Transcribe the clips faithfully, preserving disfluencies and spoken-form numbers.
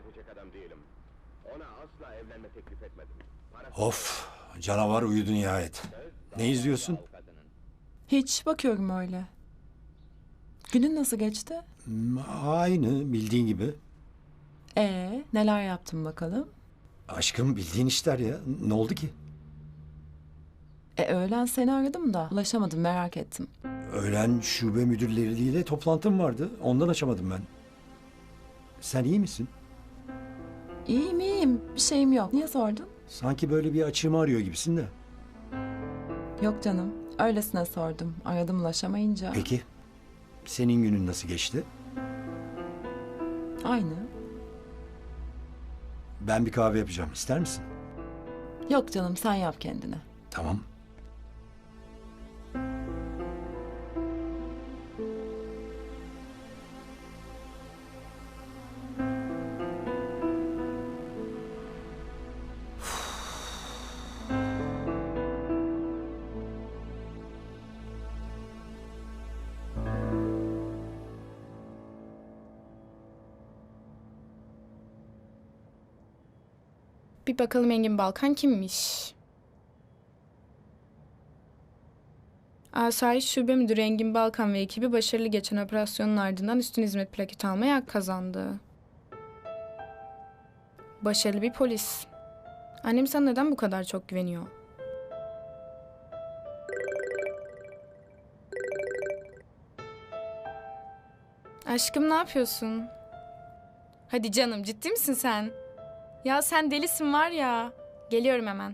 edecek adam değilim. Ona asla evlenme teklif etmedim. Of, canavar uyudu nihayet. Ne izliyorsun? Hiç, bakıyorum öyle. Günün nasıl geçti? Hmm, Aynı bildiğin gibi. Ee, neler yaptın bakalım? Aşkım bildiğin işler ya. Ne oldu ki? E öğlen seni aradım da ulaşamadım, merak ettim. Öğlen şube müdürleriyle toplantım vardı. Ondan açamadım ben. Sen iyi misin? İyiyim iyiyim, bir şeyim yok. Niye sordun? Sanki böyle bir açığımı arıyor gibisin de. Yok canım, öylesine sordum. Aradım ulaşamayınca. Peki, senin günün nasıl geçti? Aynı. Ben bir kahve yapacağım. İster misin? Yok canım, sen yap kendine. Tamam. Bir bakalım Engin Balkan kimmiş? Asayiş Şube Müdürü Engin Balkan ve ekibi başarılı geçen operasyonun ardından üstün hizmet plaketi almaya hak kazandı. Başarılı bir polis. Annem sana neden bu kadar çok güveniyor? Aşkım ne yapıyorsun? Hadi canım, ciddi misin sen? Ya sen delisin var ya. Geliyorum hemen.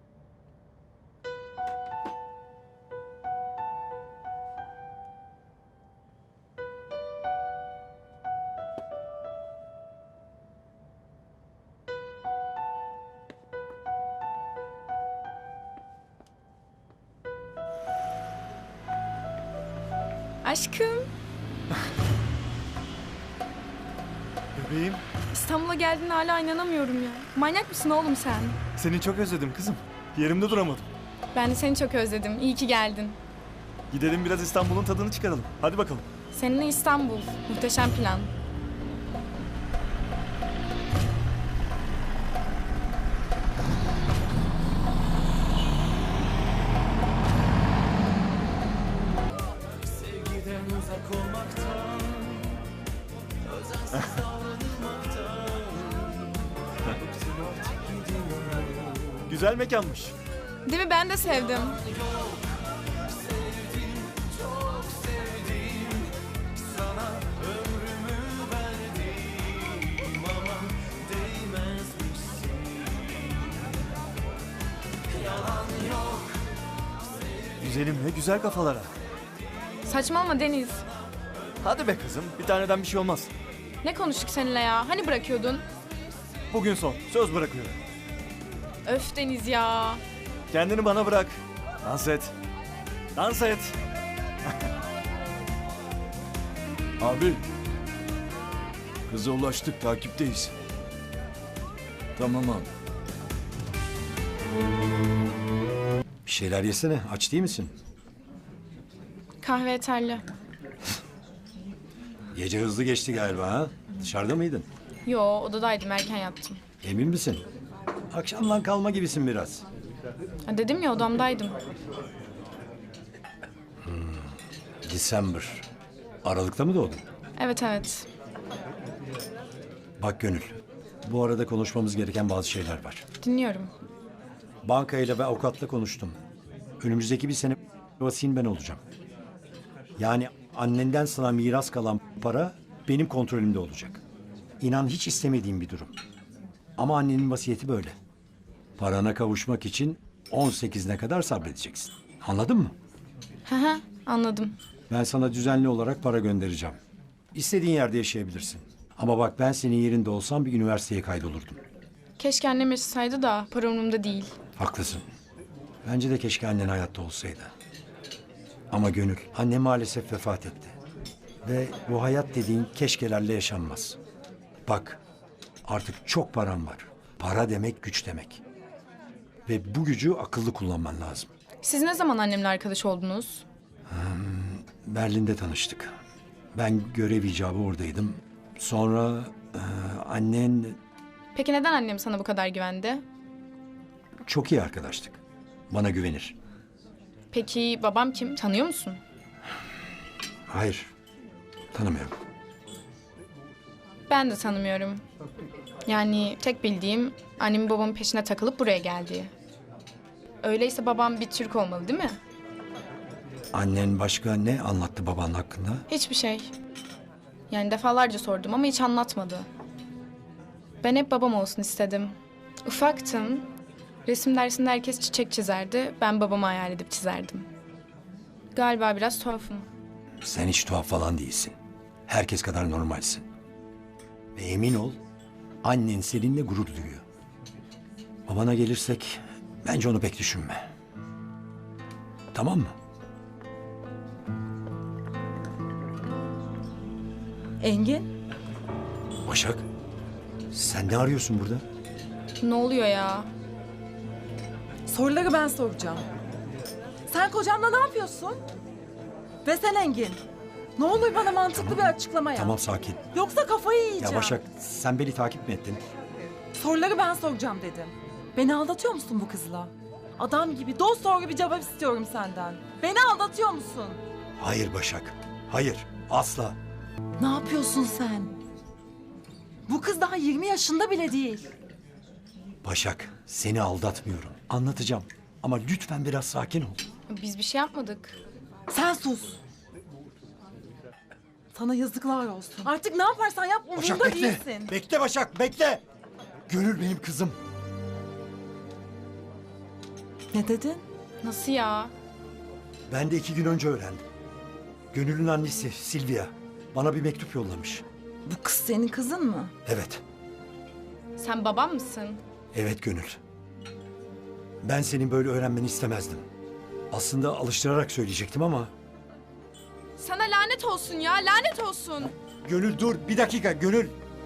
Aşkım, Bebeğim, İstanbul'a geldiğine hala inanamıyorum ya. Manyak mısın oğlum sen? seni çok özledim kızım. Yerimde duramadım. Ben de seni çok özledim. İyi ki geldin. Gidelim biraz İstanbul'un tadını çıkaralım. Hadi bakalım. Seninle İstanbul. Muhteşem plan. Güzel mekanmış. Değil mi? Ben de sevdim. Güzelim ne güzel kafalara. Saçmalama Deniz. Hadi be kızım, bir taneden bir şey olmaz. Ne konuştuk seninle ya? Hani bırakıyordun? Bugün son, söz bırakıyorum. Öf Deniz ya. Kendini bana bırak. Dans et. Dans et. Abi. Kıza ulaştık, takipteyiz. Tamam abi. Bir şeyler yesene. Aç değil misin? Kahve yeterli. Gece hızlı geçti galiba ha? Dışarıda mıydın? Yo, odadaydım, erken yattım. Emin misin? Akşamdan kalma gibisin biraz. Ha, dedim ya, odamdaydım. December. Aralıkta mı doğdun? Evet evet. Bak Gönül. Bu arada konuşmamız gereken bazı şeyler var. Dinliyorum. Bankayla ve avukatla konuştum. Önümüzdeki bir sene vasiyin ben olacağım. Yani annenden sana miras kalan para benim kontrolümde olacak. İnan hiç istemediğim bir durum. Ama annenin vasiyeti böyle. Parana kavuşmak için on sekizine kadar sabredeceksin. Anladın mı? Hı hı, anladım. Ben sana düzenli olarak para göndereceğim. İstediğin yerde yaşayabilirsin. Ama bak ben senin yerinde olsam bir üniversiteye kaydolurdum. Keşke annem yaşasaydı da para umurumda değil. Haklısın. Bence de keşke annen hayatta olsaydı. Ama Gönül, anne maalesef vefat etti. Ve bu hayat dediğin keşkelerle yaşanmaz. Bak, artık çok param var. Para demek güç demek. Ve bu gücü akıllı kullanman lazım. Siz ne zaman annemle arkadaş oldunuz? Berlin'de tanıştık. Ben görev icabı oradaydım. Sonra Annen Peki neden annem sana bu kadar güvendi? çok iyi arkadaştık. Bana güvenir. Peki babam kim? Tanıyor musun? Hayır, tanımıyorum. Ben de tanımıyorum. Yani tek bildiğim annemin babamın peşine takılıp buraya geldiği. Öyleyse babam bir Türk olmalı değil mi? Annen başka ne anlattı baban hakkında? Hiçbir şey. Yani defalarca sordum ama hiç anlatmadı. Ben hep babam olsun istedim. Ufaktım. Resim dersinde herkes çiçek çizerdi. Ben babamı hayal edip çizerdim. Galiba biraz tuhafım. Sen hiç tuhaf falan değilsin. Herkes kadar normalsin. Ve emin ol, annen seninle gurur duyuyor. Babana gelirsek, bence onu pek düşünme. Tamam mı? Engin, Başak, sen ne arıyorsun burada? Ne oluyor ya? soruları ben soracağım. Sen kocanla ne yapıyorsun? Ve sen Engin, ne olur bana mantıklı bir açıklama yap. Tamam, sakin. Yoksa kafayı yiyeceğim. Ya Başak, sen beni takip mi ettin? Soruları ben soracağım dedim. Beni aldatıyor musun bu kızla? Adam gibi dost doğru bir cevap istiyorum senden. Beni aldatıyor musun? Hayır Başak, hayır, asla. Ne yapıyorsun sen? Bu kız daha yirmi yaşında bile değil. Başak, seni aldatmıyorum. Anlatacağım. Ama lütfen biraz sakin ol. Biz bir şey yapmadık. Sen sus. Sana yazıklar olsun. Artık ne yaparsan yap Başak umurumda bekle. değilsin. Bekle Başak, bekle. Gönül benim kızım. Ne dedin? Nasıl ya? Ben de iki gün önce öğrendim. Gönül'ün annesi Silvia bana bir mektup yollamış. Bu kız senin kızın mı? Evet, Sen babam mısın? evet Gönül. Ben senin böyle öğrenmeni istemezdim. Aslında alıştırarak söyleyecektim ama... Sana lanet olsun ya, lanet olsun. Gönül dur, bir dakika Gönül.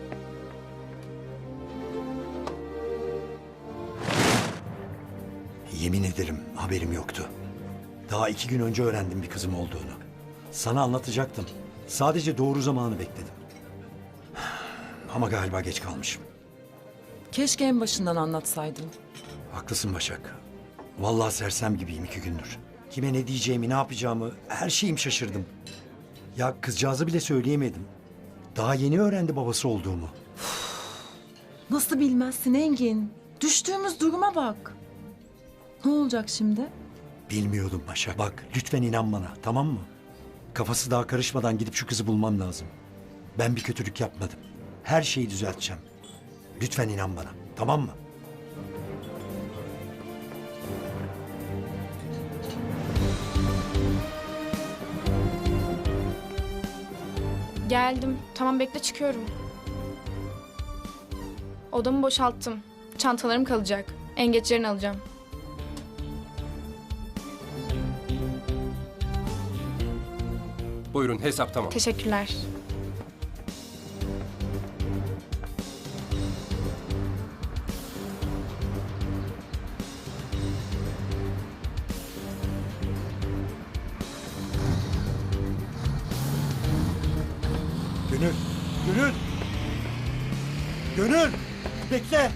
Yemin ederim haberim yoktu. Daha iki gün önce öğrendim bir kızım olduğunu. Sana anlatacaktım. Sadece doğru zamanı bekledim. Ama galiba geç kalmışım. Keşke en başından anlatsaydın. Haklısın Başak. Vallahi sersem gibiyim iki gündür. Kime ne diyeceğimi, ne yapacağımı, her şeyim şaşırdım. Ya kızcağızı bile söyleyemedim. Daha yeni öğrendi babası olduğumu. Nasıl bilmezsin Engin? Düştüğümüz duruma bak. Ne olacak şimdi? Bilmiyordum Başak. Bak lütfen inan bana, tamam mı? Kafası daha karışmadan gidip şu kızı bulmam lazım. Ben bir kötülük yapmadım. Her şeyi düzelteceğim. Lütfen inan bana, tamam mı? Geldim. Tamam bekle çıkıyorum. Odamı boşalttım. Çantalarım kalacak. En geç yarın alacağım. Buyurun hesap tamam. Teşekkürler. Gönül, Gönül! Gönül! Bekle!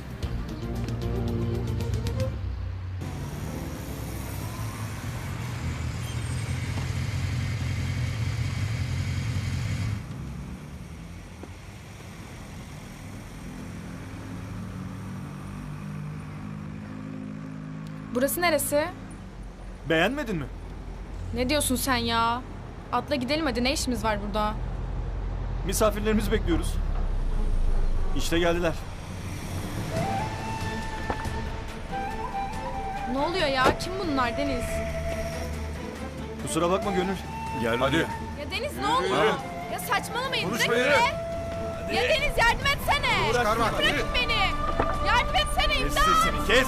Burası neresi? Beğenmedin mi? Ne diyorsun sen ya? Atla gidelim hadi, ne işimiz var burada? Misafirlerimizi bekliyoruz. İşte geldiler. Ne oluyor ya? Kim bunlar Deniz? Kusura bakma Gönül. Gel hadi. Ya Deniz ne oluyor? Ya saçmalamayın. Bırakın be. Ya Deniz yardım etsene. Uğraşma. Ya bırakın beni. Yardım etsene Kes imdat. sesini kes.